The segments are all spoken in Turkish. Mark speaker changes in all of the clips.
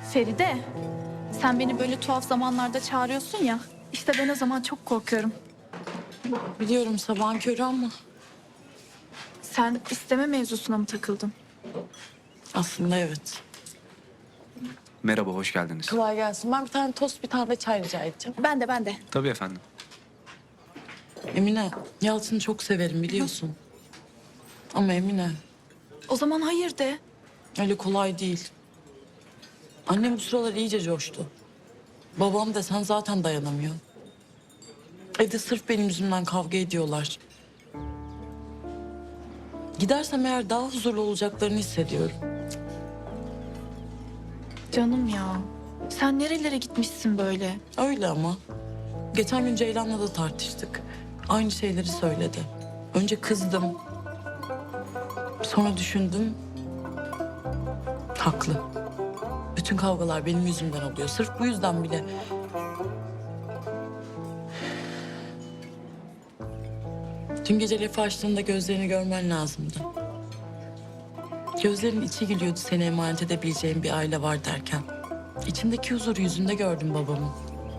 Speaker 1: Feride, sen beni böyle tuhaf zamanlarda çağırıyorsun ya. İşte ben o zaman çok korkuyorum.
Speaker 2: Biliyorum sabahın körü ama
Speaker 1: Sen isteme mevzusuna mı takıldın?
Speaker 2: aslında evet.
Speaker 3: Merhaba, hoş geldiniz.
Speaker 2: Kolay gelsin. Ben bir tane tost, bir tane de çay rica edeceğim.
Speaker 1: Ben de.
Speaker 3: Tabii efendim.
Speaker 2: Emine, Yalçın'ı çok severim biliyorsun. Ama Emine,
Speaker 1: O zaman hayır de.
Speaker 2: öyle kolay değil. Annem bu sıralar iyice coştu. Babam da sen zaten dayanamıyor. Evde sırf benim yüzümden kavga ediyorlar. Gidersem eğer daha huzurlu olacaklarını hissediyorum.
Speaker 1: Canım ya, sen nerelere gitmişsin böyle?
Speaker 2: Öyle ama. Geçen gün Ceylan'la da tartıştık. Aynı şeyleri söyledi. Önce kızdım. Sonra düşündüm. Haklı. Bütün kavgalar benim yüzümden oluyor. Sırf bu yüzden bile. Dün gece lafı açtığında gözlerini görmen lazımdı. Gözlerin içi gülüyordu seni emanet edebileceğim bir aile var derken. İçimdeki huzuru yüzünde gördüm babamın.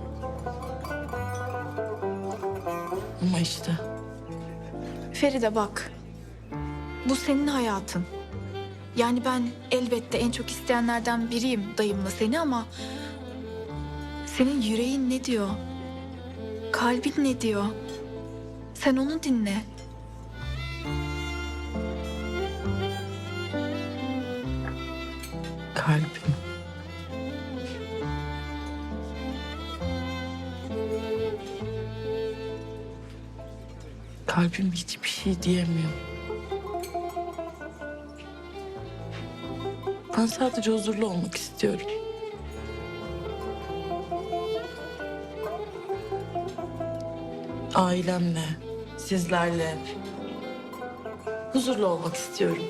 Speaker 2: Ama işte
Speaker 1: Feride bak, bu senin hayatın. Yani ben elbette en çok isteyenlerden biriyim dayımla seni ama... ...senin yüreğin ne diyor? Kalbin ne diyor? Sen onu dinle.
Speaker 2: kalbim. Kalbim hiçbir şey diyemiyor. Ben sadece huzurlu olmak istiyorum. Ailemle, sizlerle huzurlu olmak istiyorum.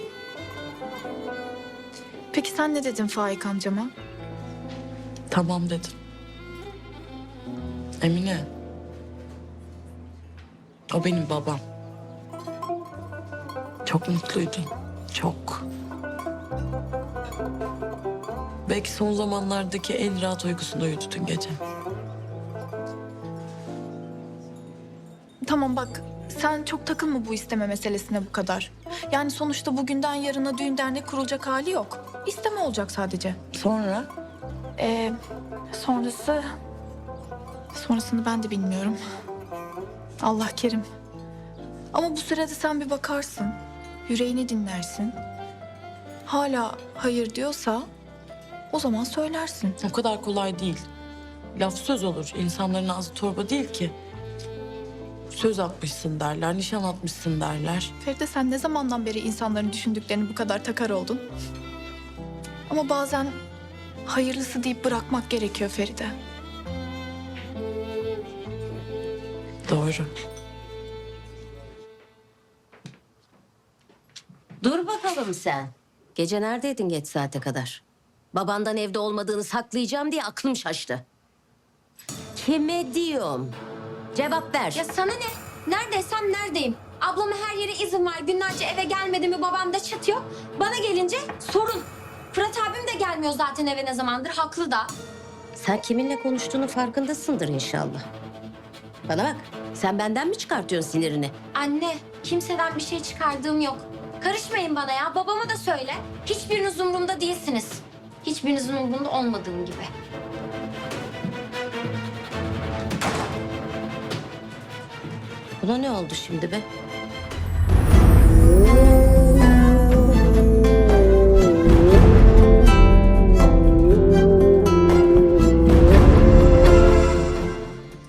Speaker 1: Peki sen ne dedin Faik amcama?
Speaker 2: Tamam dedim. Emine. O benim babam. Çok mutluydu. Çok. Belki son zamanlardaki en rahat uykusunda uyudu dün gece.
Speaker 1: Tamam bak, sen çok takılma bu isteme meselesine bu kadar. Yani sonuçta bugünden yarına düğün dernek kurulacak hali yok. İsteme olacak sadece.
Speaker 2: Sonra
Speaker 1: Ee, sonrası... Sonrasını ben de bilmiyorum. Allah kerim. Ama bu sırada sen bir bakarsın. Yüreğini dinlersin. Hala hayır diyorsa o zaman söylersin.
Speaker 2: o kadar kolay değil. Laf söz olur. İnsanların ağzı torba değil ki. Söz atmışsın derler, nişan atmışsın derler.
Speaker 1: Feride sen ne zamandan beri insanların düşündüklerini bu kadar takar oldun? Ama bazen hayırlısı deyip bırakmak gerekiyor Feride.
Speaker 2: Doğru.
Speaker 4: Dur bakalım sen. Gece neredeydin geç saate kadar? Babandan evde olmadığını saklayacağım diye aklım şaştı. Kime diyorum? Cevap ver.
Speaker 5: Ya sana ne? Neredeysem neredeyim? Ablama her yere izin var. Günlerce eve gelmedi mi babam da çıt yok. Bana gelince sorun. Fırat abim de gelmiyor zaten eve ne zamandır. Haklı da.
Speaker 4: Sen kiminle konuştuğunu farkındasındır inşallah. Bana bak, sen benden mi çıkartıyorsun sinirini?
Speaker 5: Anne, kimseden bir şey çıkardığım yok. Karışmayın bana ya. Babama da söyle. Hiçbiriniz umurumda değilsiniz. Hiçbirinizin umurunda olmadığım gibi.
Speaker 4: Buna ne oldu şimdi be?